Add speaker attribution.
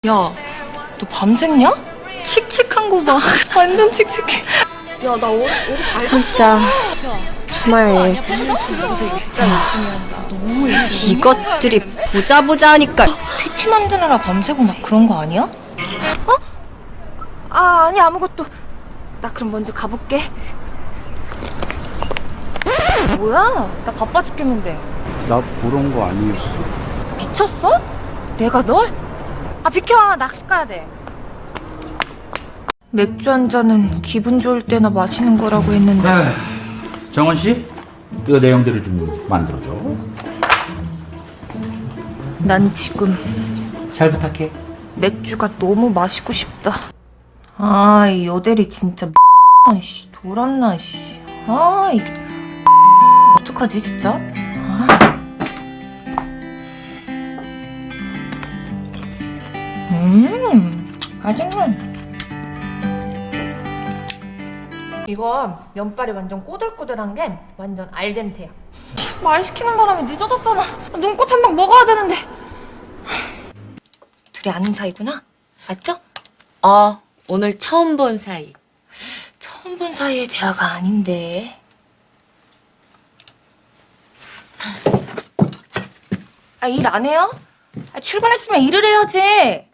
Speaker 1: 야, 너 밤샜냐? 칙칙한 거 봐. 완전 칙칙해.
Speaker 2: 야, 나 어제 잘
Speaker 3: 진짜 정말
Speaker 1: 진짜 열심히 한다. 너무 열심히.
Speaker 3: 이것들이 보자 하니까
Speaker 1: PT 만드느라 밤새고 막 그런 거 아니야?
Speaker 3: 아니 아무것도. 나 그럼 먼저 가볼게.
Speaker 1: 뭐야? 나 바빠 죽겠는데.
Speaker 4: 나 보러 온 거 아니었어.
Speaker 1: 미쳤어? 내가 널? 아 비켜, 낚시 가야 돼. 맥주 한 잔은 기분 좋을 때나 마시는 거라고 했는데.
Speaker 5: 정원 씨, 이거 내용대로 좀 만들어줘.
Speaker 1: 난 지금
Speaker 5: 잘 부탁해.
Speaker 1: 맥주가 너무 마시고 싶다. 아, 이 여대리 진짜 씨, 돌았나 씨. 아, 이 어떡하지 진짜? 아. 맛있네. 이거 면발이 완전 꼬들꼬들한 게 완전 알덴테야. 말 시키는 바람에 늦어졌잖아. 눈꽃 한 방 먹어야 되는데. 둘이 아는 사이구나? 맞죠?
Speaker 2: 오늘 처음 본 사이.
Speaker 1: 처음 본 사이의 대화가 아닌데. 일 안 해요? 출근했으면 일을 해야지.